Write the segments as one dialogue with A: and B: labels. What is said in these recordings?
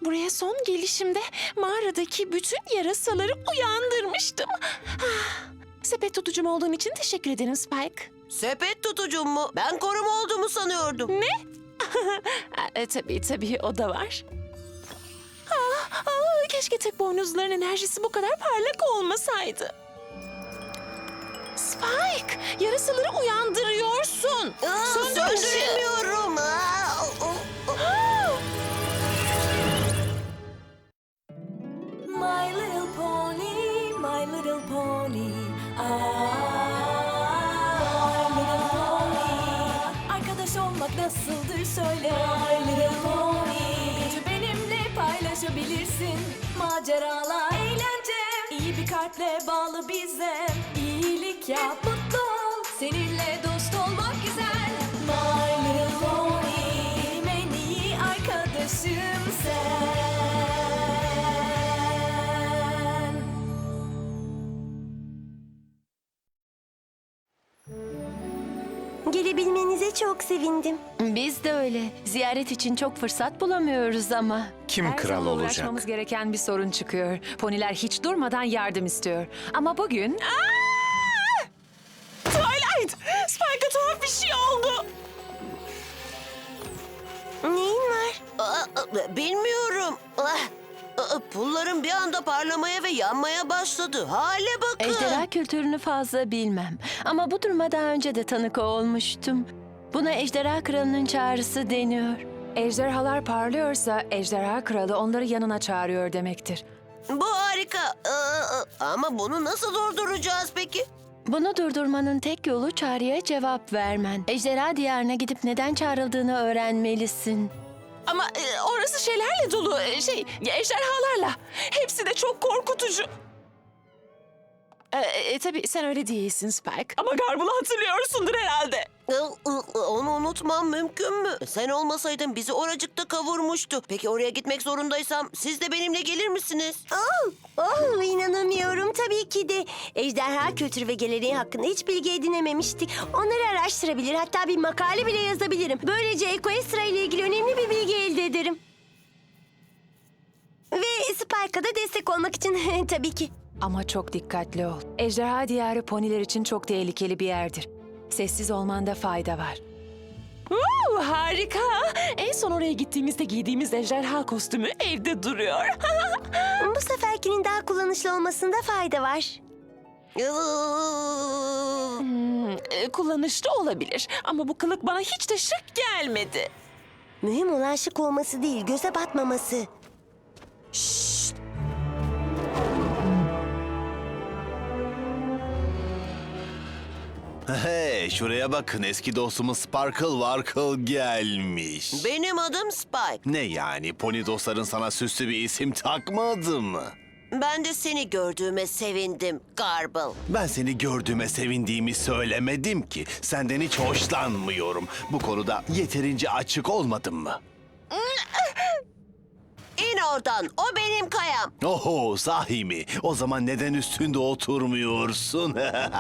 A: Buraya son gelişimde mağaradaki bütün yarasaları uyandırmıştım. Sepet tutucum olduğun için teşekkür ederim Spike.
B: Sepet tutucum mu? Ben koruma olduğumu sanıyordum.
A: Tabii o da var. Keşke tek boynuzların enerjisi bu kadar parlak olmasaydı. Spike, yarasaları uyandırıyorsun. Söndür ışığı.
B: Söndüremiyorum.
C: My little pony, my little pony. My little pony. Arkadaş olmak nasıldır söyle. My little pony. Gücü benimle paylaşabilirsin. Maceralar, eğlence. İyi bir kalple bağlı bize. İyilik yap, mutlu ol. Seninle dost olmak güzel. My little pony. Benim en iyi arkadaşım sen.
D: Gelebilmenize çok sevindim.
E: Biz de öyle. Ziyaret için çok fırsat bulamıyoruz ama.
F: Kim
G: Her
F: kral
G: zaman
F: olacak?
G: uğraşmamız gereken bir sorun çıkıyor. Poniler hiç durmadan yardım istiyor. Ama bugün...
A: Twilight, Spike'a tuhaf bir şey oldu.
D: Neyin var?
B: Bilmiyorum. Pullarım bir anda parlamaya ve yanmaya başladı. Hale bakın.
E: Ejderha kültürünü fazla bilmem. Ama bu duruma daha önce de tanık olmuştum. Buna ejderha kralının çağrısı deniyor.
G: Ejderhalar parlıyorsa ejderha kralı onları yanına çağırıyor demektir.
B: Bu harika. Ama bunu nasıl durduracağız peki?
E: Bunu durdurmanın tek yolu çağrıya cevap vermen. Ejderha diyarına gidip neden çağrıldığını öğrenmelisin.
A: Ama orası şeylerle dolu, ejderhalarla. Hepsi de çok korkutucu. Tabii sen öyle değilsin Spike. Ama Garble'ı hatırlıyorsundur herhalde.
B: Onu unutmam mümkün mü? Sen olmasaydın bizi oracıkta kavurmuştu. Peki oraya gitmek zorundaysam siz de benimle gelir misiniz?
D: İnanamıyorum. Tabii ki de. Ejderha kültürü ve geleneği hakkında hiç bilgi edinememiştik. Onları araştırabilir, hatta bir makale bile yazabilirim. Böylece Equestria ile ilgili önemli bir bilgi elde ederim. Ve Spike'a da destek olmak için tabii ki.
G: Ama çok dikkatli ol. Ejderha diyarı poniler için çok tehlikeli bir yerdir. Sessiz olmanda fayda var.
A: Harika. En son oraya gittiğimizde giydiğimiz ejderha kostümü evde duruyor.
D: Bu seferkinin daha kullanışlı olmasında fayda var.
A: Kullanışlı olabilir ama bu kılık bana hiç de şık gelmedi.
D: Mühim olan şık olması değil, göze batmaması.
F: Hey, şuraya bakın, eski dostumuz Sparkle Warkle gelmiş.
B: Benim adım Spike.
F: Ne yani, pony dostların sana süslü bir isim takmadı mı?
B: Ben de seni gördüğüme sevindim Garble.
F: Ben seni gördüğüme sevindiğimi söylemedim ki. Senden hiç hoşlanmıyorum. Bu konuda yeterince açık olmadım mı?
B: İn oradan. O benim kayam.
F: Oho, sahi mi? O zaman neden üstünde oturmuyorsun?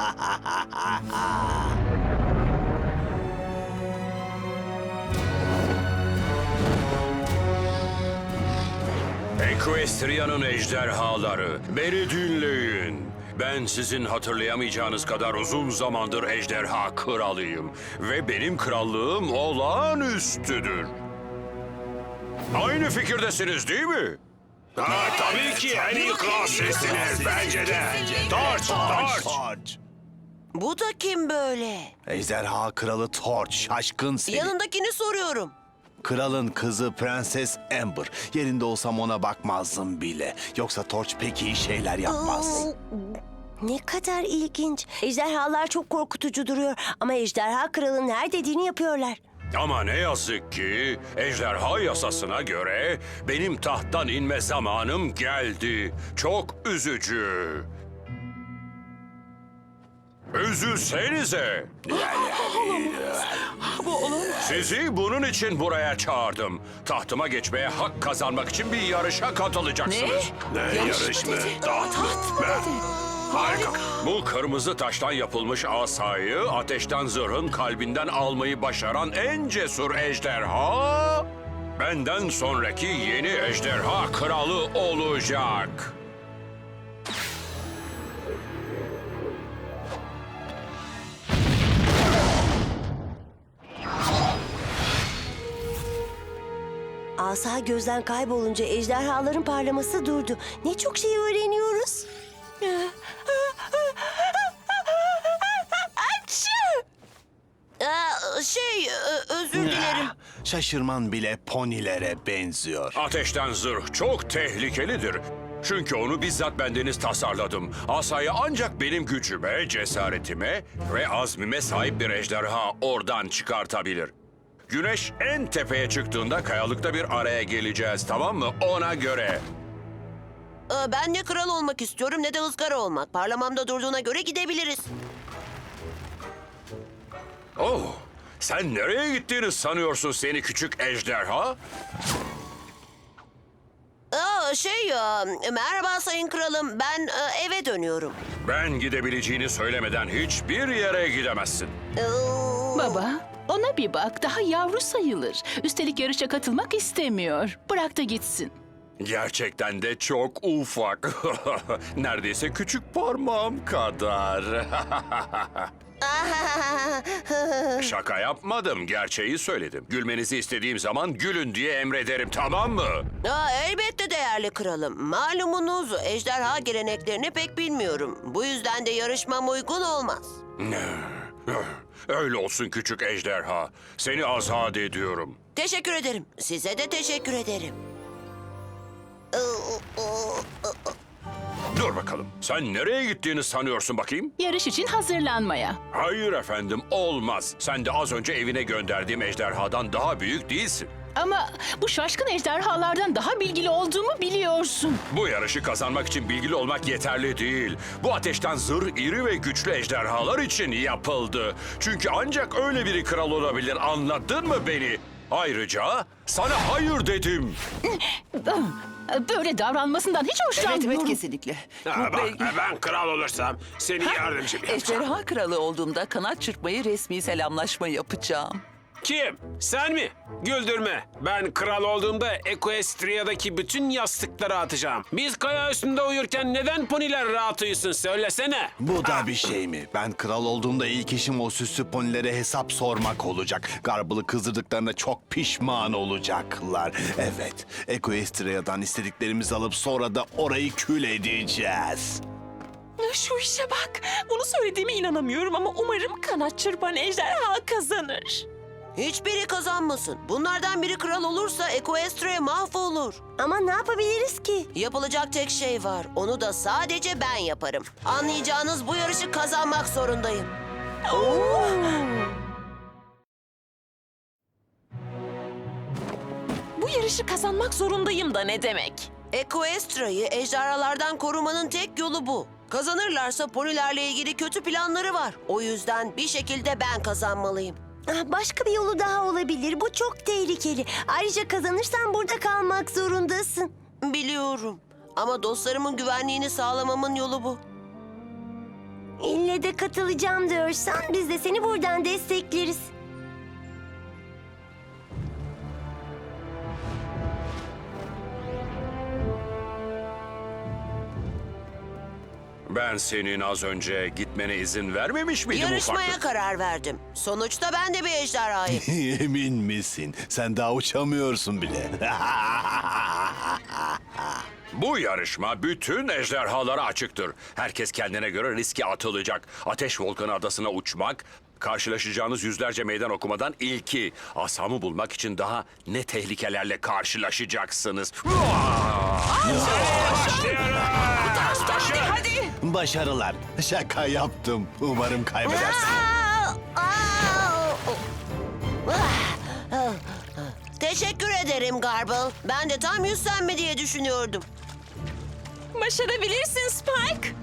H: Equestria'nın ejderhaları, beni dinleyin. Ben sizin hatırlayamayacağınız kadar uzun zamandır ejderha kralıyım. Ve benim krallığım olağanüstüdür. Aynı fikirdesiniz değil mi?
I: Tabii ki en iyi kral sizsiniz bence de. Torch.
B: Bu da kim böyle?
F: Ejderha kralı Torch, şaşkın seni.
B: Yanındakini soruyorum.
F: Kralın kızı Prenses Amber. Yerinde olsam ona bakmazdım bile. Yoksa Torch pek iyi şeyler yapmaz.
D: Ne kadar ilginç. Ejderhalar çok korkutucu duruyor ama ejderha kralın her dediğini yapıyorlar.
H: Ama ne yazık ki ejderha yasasına göre benim tahttan inme zamanım geldi. Çok üzücü. Üzülsenize. Sizi bunun için buraya çağırdım. Tahtıma geçmeye hak kazanmak için bir yarışa katılacaksınız.
I: Ne yarış mı? Taht mı? Harika.
H: Bu kırmızı taştan yapılmış asayı ateşten zırhın kalbinden almayı başaran en cesur ejderha benden sonraki yeni ejderha kralı olacak.
D: Asa gözden kaybolunca ejderhaların parlaması durdu. Ne çok şey öğreniyoruz.
B: Özür dilerim.
F: Şaşırman bile ponilere benziyor.
H: Ateşten zırh çok tehlikelidir. Çünkü onu bizzat bendeniz tasarladım. Asayı ancak benim gücüme, cesaretime ve azmime sahip bir ejderha oradan çıkartabilir. Güneş en tepeye çıktığında kayalıkta bir araya geleceğiz, tamam mı? Ona göre.
B: Ben ne kral olmak istiyorum ne de ızgara olmak. Parlamamda durduğuna göre gidebiliriz.
H: Oh, sen nereye gittiğini sanıyorsun seni küçük ejderha?
B: Merhaba sayın kralım. Ben eve dönüyorum.
H: Ben gidebileceğini söylemeden hiçbir yere gidemezsin.
J: Baba, ona bir bak. Daha yavru sayılır. Üstelik yarışa katılmak istemiyor. Bırak da gitsin.
H: Gerçekten de çok ufak. Neredeyse küçük parmağım kadar. Şaka yapmadım, gerçeği söyledim. Gülmenizi istediğim zaman gülün diye emrederim, tamam mı?
B: Elbette değerli kralım. Malumunuz ejderha geleneklerini pek bilmiyorum. Bu yüzden de yarışmam uygun olmaz.
H: Öyle olsun küçük ejderha. Seni azat ediyorum.
B: Teşekkür ederim. Size de teşekkür ederim.
H: Dur bakalım, sen nereye gittiğini sanıyorsun bakayım?
J: Yarış için hazırlanmaya.
H: Hayır efendim, olmaz. Sen de az önce evine gönderdiğim ejderhadan daha büyük değilsin.
J: Ama bu şaşkın ejderhalardan daha bilgili olduğumu biliyorsun.
H: Bu yarışı kazanmak için bilgili olmak yeterli değil. Bu ateşten zırh iri ve güçlü ejderhalar için yapıldı. Çünkü ancak öyle biri kral olabilir, anladın mı beni? Ayrıca sana hayır dedim.
J: Böyle davranmasından hiç hoşlanmıyorum.
K: kesinlikle.
I: Ben kral olursam seni yardımcım yapacağım.
K: Ejderha kralı olduğumda kanat çırpmayı resmi selamlaşma yapacağım.
I: Kim? Sen mi? Güldürme. Ben kral olduğumda Equestria'daki bütün yastıkları atacağım. Biz kaya üstünde uyurken neden poniler rahat uyusun söylesene.
F: Bu da bir şey mi? Ben kral olduğumda ilk işim o süslü ponilere hesap sormak olacak. Garble'ı kızdırdıklarına çok pişman olacaklar. Evet, Equestria'dan istediklerimizi alıp sonra da orayı kül edeceğiz.
A: Şu işe bak. Bunu söylediğime inanamıyorum ama umarım kanat çırpan ejderha kazanır.
B: Hiçbiri kazanmasın. Bunlardan biri kral olursa Equestria mahvolur.
D: Ama ne yapabiliriz ki?
B: Yapılacak tek şey var. Onu da sadece ben yaparım. Anlayacağınız bu yarışı kazanmak zorundayım.
A: Bu yarışı kazanmak zorundayım da ne demek?
B: Equestria'yı ejderhalardan korumanın tek yolu bu. Kazanırlarsa ponilerle ilgili kötü planları var. O yüzden bir şekilde ben kazanmalıyım.
D: Başka bir yolu daha olabilir. Bu çok tehlikeli. Ayrıca kazanırsan burada kalmak zorundasın.
B: Biliyorum. Ama dostlarımın güvenliğini sağlamamın yolu bu.
D: İlle de katılacağım diyorsan biz de seni buradan destekleriz.
H: Ben senin az önce gitmene izin vermemiş miydim
B: Yarışmaya
H: ufaklık?
B: karar verdim. Sonuçta ben de bir ejderhayım.
F: Emin misin? Sen daha uçamıyorsun bile.
H: Bu yarışma bütün ejderhalara açıktır. Herkes kendine göre riske atılacak. Ateş Volkanı Adası'na uçmak, karşılaşacağınız yüzlerce meydan okumadan ilki. Asamı bulmak için daha ne tehlikelerle karşılaşacaksınız.
F: Başarılar. Şaka yaptım. Umarım kaybedersin.
B: Teşekkür ederim Garble. Ben de tam yüzlenme diye düşünüyordum.
A: Başarabilirsin Spike.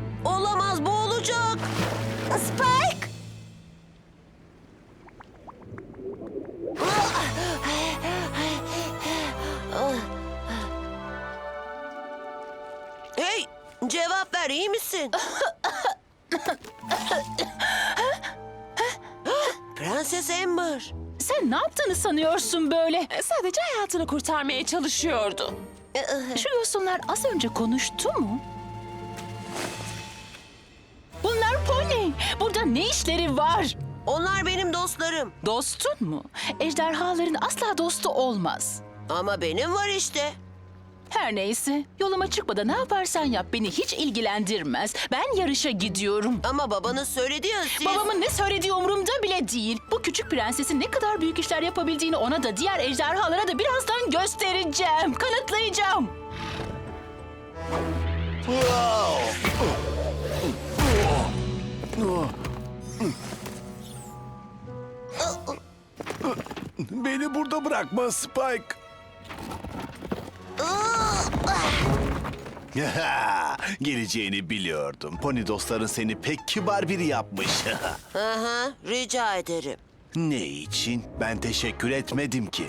B: Olamaz, bu olacak.
D: Spike!
B: Cevap ver, iyi misin? Prenses Amber.
J: Sen ne yaptığını sanıyorsun böyle?
A: Sadece hayatını kurtarmaya çalışıyordu.
J: Şu yosunlar az önce konuştu mu? Bunlar pony. Burada ne işleri var?
B: Onlar benim dostlarım.
J: Dostun mu? Ejderhaların asla dostu olmaz.
B: Ama benim var işte.
J: Her neyse, yoluma çıkmadan ne yaparsan yap beni hiç ilgilendirmez. Ben yarışa gidiyorum.
B: Ama babanız söyledi ya siz...
J: Babamın ne söylediği umurumda bile değil. Bu küçük prensesin ne kadar büyük işler yapabildiğini ona da diğer ejderhalara da birazdan göstereceğim. Kanıtlayacağım.
F: Beni burada bırakma Spike. Geleceğini biliyordum. Pony dostların seni pek kibar biri yapmış.
B: Aha, rica ederim.
F: Ne için? Ben teşekkür etmedim ki.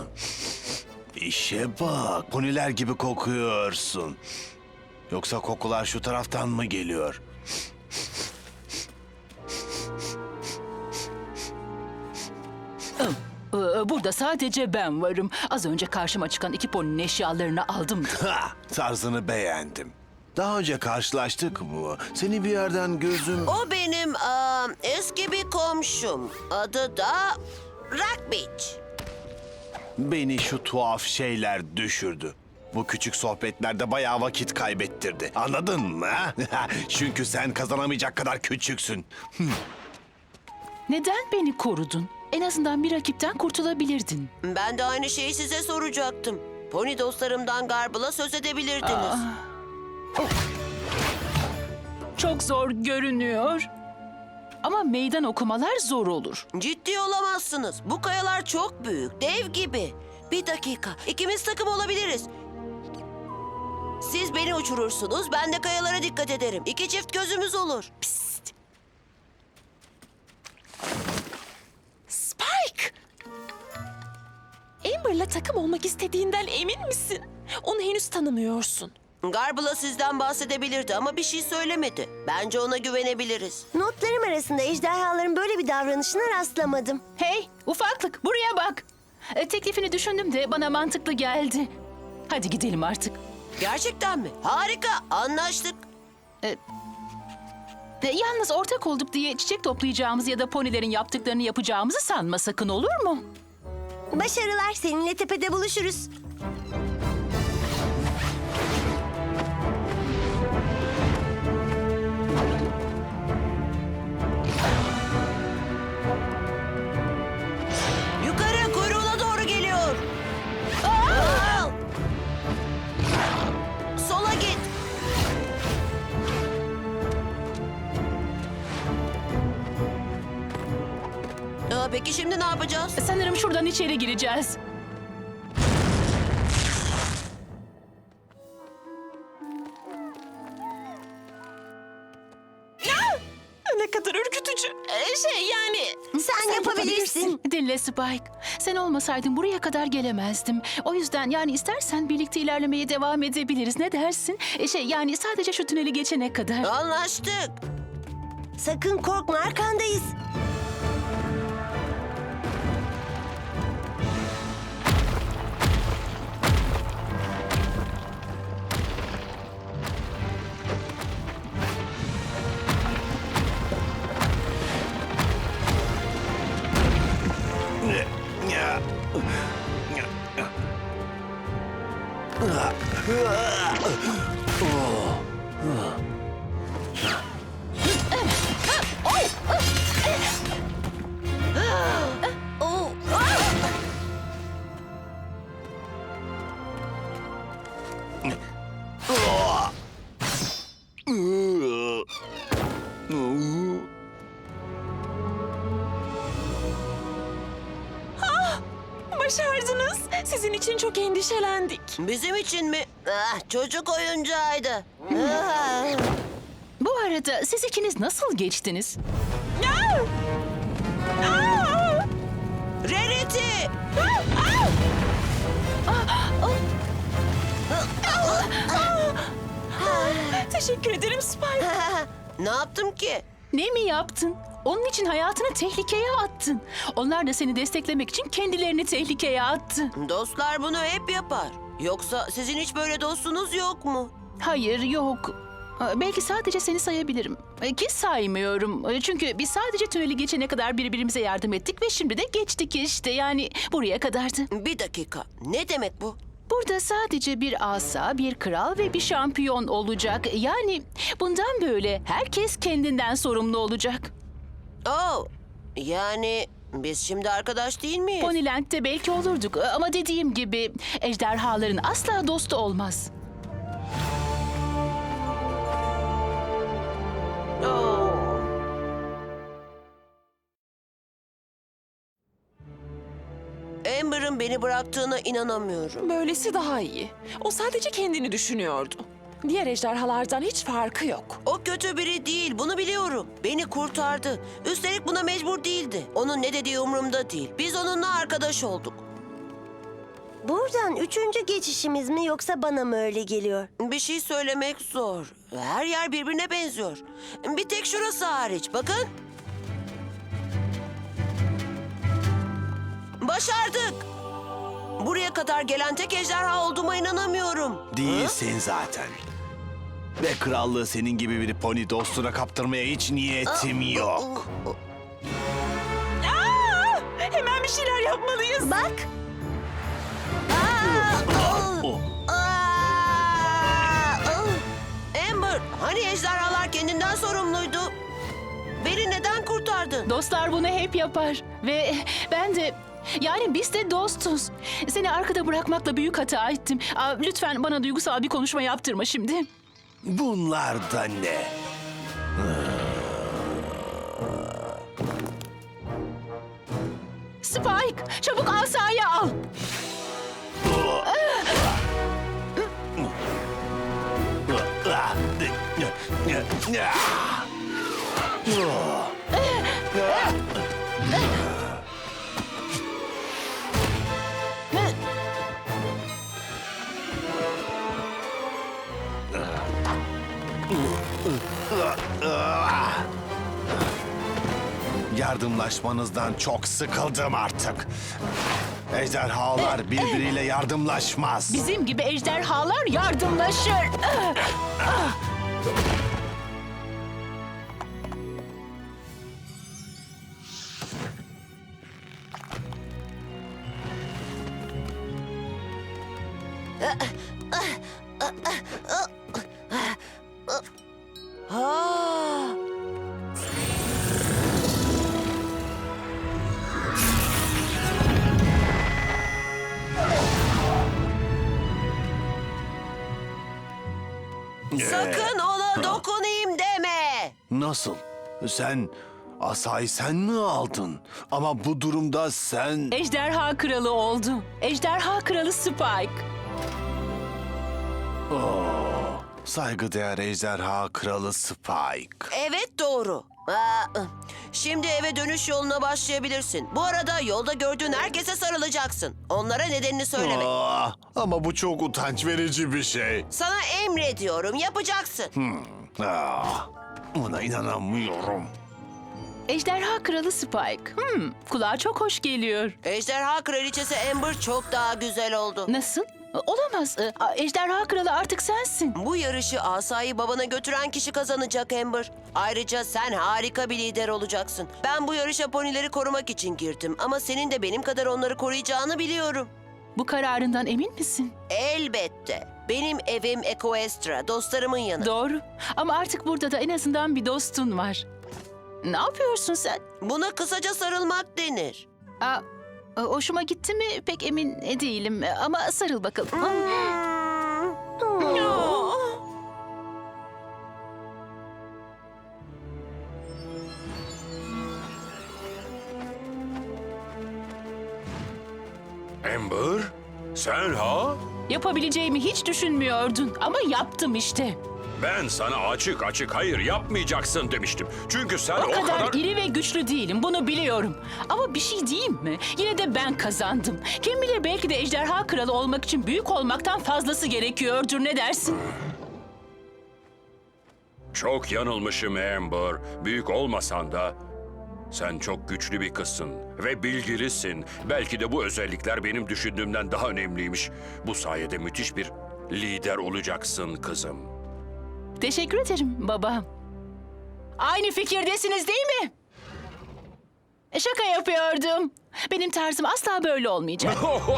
F: İşe bak, poniler gibi kokuyorsun. Yoksa kokular şu taraftan mı geliyor?
J: Burada sadece ben varım. Az önce karşıma çıkan iki poninin eşyalarını aldım.
F: Ha, tarzını beğendim. Daha önce karşılaştık mı? Seni bir yerden gözüm...
B: O benim eski bir komşum. Adı da Rock Beach.
F: Beni şu tuhaf şeyler düşürdü. Bu küçük sohbetlerde bayağı vakit kaybettirdi. Anladın mı? Çünkü sen kazanamayacak kadar küçüksün.
J: Neden beni korudun? En azından bir rakipten kurtulabilirdin.
B: Ben de aynı şeyi size soracaktım. Pony dostlarımdan Garble'a söz edebilirdiniz.
J: Çok zor görünüyor. Ama meydan okumalar zor olur.
B: Ciddi olamazsınız. Bu kayalar çok büyük, dev gibi. Bir dakika, ikimiz takım olabiliriz. Siz beni uçurursunuz, ben de kayalara dikkat ederim. İki çift gözümüz olur.
A: Spike! Amber'la takım olmak istediğinden emin misin? Onu henüz tanımıyorsun.
B: Garble'a sizden bahsedebilirdi ama bir şey söylemedi. Bence ona güvenebiliriz.
D: Notlarım arasında ejderhaların böyle bir davranışına rastlamadım.
J: Hey, ufaklık buraya bak. Teklifini düşündüm de bana mantıklı geldi. Hadi gidelim artık.
B: Gerçekten mi? Harika, anlaştık.
J: Yalnız ortak olduk diye çiçek toplayacağımız ya da ponilerin yaptıklarını yapacağımızı sanma sakın, olur mu?
D: Başarılar, seninle tepede buluşuruz.
B: Yukarı, kuyruğuna doğru geliyor. Aa! Sola git. Peki şimdi ne yapacağız?
J: Sanırım şuradan içeri gireceğiz.
A: Ne kadar ürkütücü.
D: Sen yapabilirsin.
J: Dinle Spike. Sen olmasaydın buraya kadar gelemezdim. O yüzden yani istersen birlikte ilerlemeye devam edebiliriz. Ne dersin? Yani sadece şu tüneli geçene kadar.
B: Anlaştık.
D: Sakın korkma, arkandayız.
A: Başardınız. Sizin için çok endişelendik.
B: Bizim için mi? Çocuk oyuncağıydı.
J: Bu arada siz ikiniz nasıl geçtiniz?
B: Rarity!
A: teşekkür ederim Spike.
B: Ne yaptım ki?
J: Ne mi yaptın? Onun için hayatını tehlikeye attın. Onlar da seni desteklemek için kendilerini tehlikeye attı.
B: Dostlar bunu hep yapar. Yoksa sizin hiç böyle dostunuz yok mu?
J: Hayır, yok. Belki sadece seni sayabilirim. Ki saymıyorum. Çünkü biz sadece tüneli geçene kadar birbirimize yardım ettik ve şimdi de geçtik işte. Yani buraya kadardı.
B: Bir dakika. Ne demek bu?
J: Burada sadece bir asa, bir kral ve bir şampiyon olacak. Yani bundan böyle herkes kendinden sorumlu olacak.
B: Oh, yani biz şimdi arkadaş değil miyiz?
J: Ponyland'de belki olurduk ama dediğim gibi ejderhaların asla dostu olmaz.
B: Oh. Amber'ın beni bıraktığına inanamıyorum.
A: Böylesi daha iyi. O sadece kendini düşünüyordu. Diğer ejderhalardan hiç farkı yok.
B: O kötü biri değil, bunu biliyorum. Beni kurtardı. Üstelik buna mecbur değildi. Onun ne dediği umurumda değil. Biz onunla arkadaş olduk.
D: Buradan 3. geçişimiz mi yoksa bana mı öyle geliyor?
B: Bir şey söylemek zor. Her yer birbirine benziyor. Bir tek şurası hariç. Bakın. Başardık. Buraya kadar gelen tek ejderha olduğuma inanamıyorum.
F: Değilsin zaten. Ve krallığı senin gibi bir pony dostuna kaptırmaya hiç niyetim yok.
A: Hemen bir şeyler yapmalıyız.
D: Bak,
B: Amber, hani ejderhalar kendinden sorumluydu? Beni neden kurtardın?
J: Dostlar bunu hep yapar ve ben de... Yani biz de dostuz. Seni arkada bırakmakla büyük hata ettim. Lütfen bana duygusal bir konuşma yaptırma şimdi.
F: Bunlar da ne?
J: Spike, çabuk asayı al.
F: Yardımlaşmanızdan çok sıkıldım artık. Ejderhalar birbiriyle yardımlaşmaz.
J: Bizim gibi ejderhalar yardımlaşır.
B: Ha. Sakın ona dokunayım deme.
F: Nasıl? Asayı sen mi aldın? Ama bu durumda sen...
J: Ejderha kralı oldu. Ejderha kralı Spike.
F: Saygıdeğer ejderha kralı Spike.
B: Evet doğru. Şimdi eve dönüş yoluna başlayabilirsin. Bu arada yolda gördüğün herkese sarılacaksın. Onlara nedenini söyleme.
F: Ama bu çok utanç verici bir şey.
B: Sana emrediyorum, yapacaksın.
F: Buna inanamıyorum.
J: Ejderha kralı Spike. Kulağa çok hoş geliyor.
B: Ejderha kraliçesi Amber çok daha güzel oldu.
J: Nasıl? Olamaz. Ejderha kralı artık sensin.
B: Bu yarışı asayı babana götüren kişi kazanacak Amber. Ayrıca sen harika bir lider olacaksın. Ben bu yarışa ponileri korumak için girdim. Ama senin de benim kadar onları koruyacağını biliyorum.
J: Bu kararından emin misin?
B: Elbette. Benim evim Equestria, dostlarımın yanı.
J: Doğru. Ama artık burada da en azından bir dostun var. Ne yapıyorsun sen?
B: Buna kısaca sarılmak denir.
J: Hoşuma gitti mi pek emin değilim. Ama sarıl bakalım.
H: Amber, sen ha?
J: Yapabileceğimi hiç düşünmüyordun. Ama yaptım işte.
H: Ben sana açık açık hayır yapmayacaksın demiştim. Çünkü sen
J: O kadar iri ve güçlü değilim, bunu biliyorum. Ama bir şey diyeyim mi? Yine de ben kazandım. Kim bilir belki de ejderha kralı olmak için büyük olmaktan fazlası gerekiyordur, ne dersin?
H: Çok yanılmışım Amber. Büyük olmasan da sen çok güçlü bir kızsın ve bilgilisin. Belki de bu özellikler benim düşündüğümden daha önemliymiş. Bu sayede müthiş bir lider olacaksın kızım.
J: Teşekkür ederim baba. Aynı fikirdesiniz değil mi? Şaka yapıyordum. Benim tarzım asla böyle olmayacak.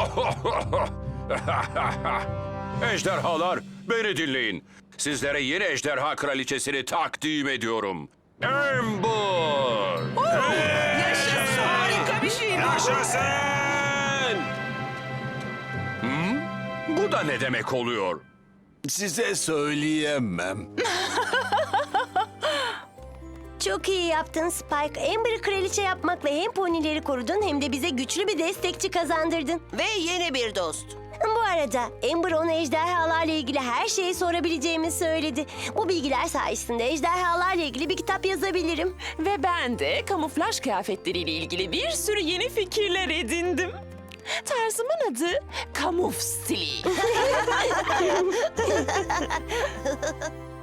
H: Ejderhalar, beni dinleyin. Sizlere yeni ejderha kraliçesini takdim ediyorum. Amber!
I: Yaşasın!
H: Bu da ne demek oluyor?
F: Size söyleyemem.
D: Çok iyi yaptın Spike. Amber'ı kraliçe yapmakla hem ponileri korudun hem de bize güçlü bir destekçi kazandırdın.
B: Ve yeni bir dost.
D: Bu arada Amber ona ejderhalarla ilgili her şeyi sorabileceğimi söyledi. Bu bilgiler sayesinde ejderhalarla ilgili bir kitap yazabilirim.
A: Ve ben de kamuflaj kıyafetleriyle ilgili bir sürü yeni fikirler edindim. Tarzımın adı Kamuf Stili.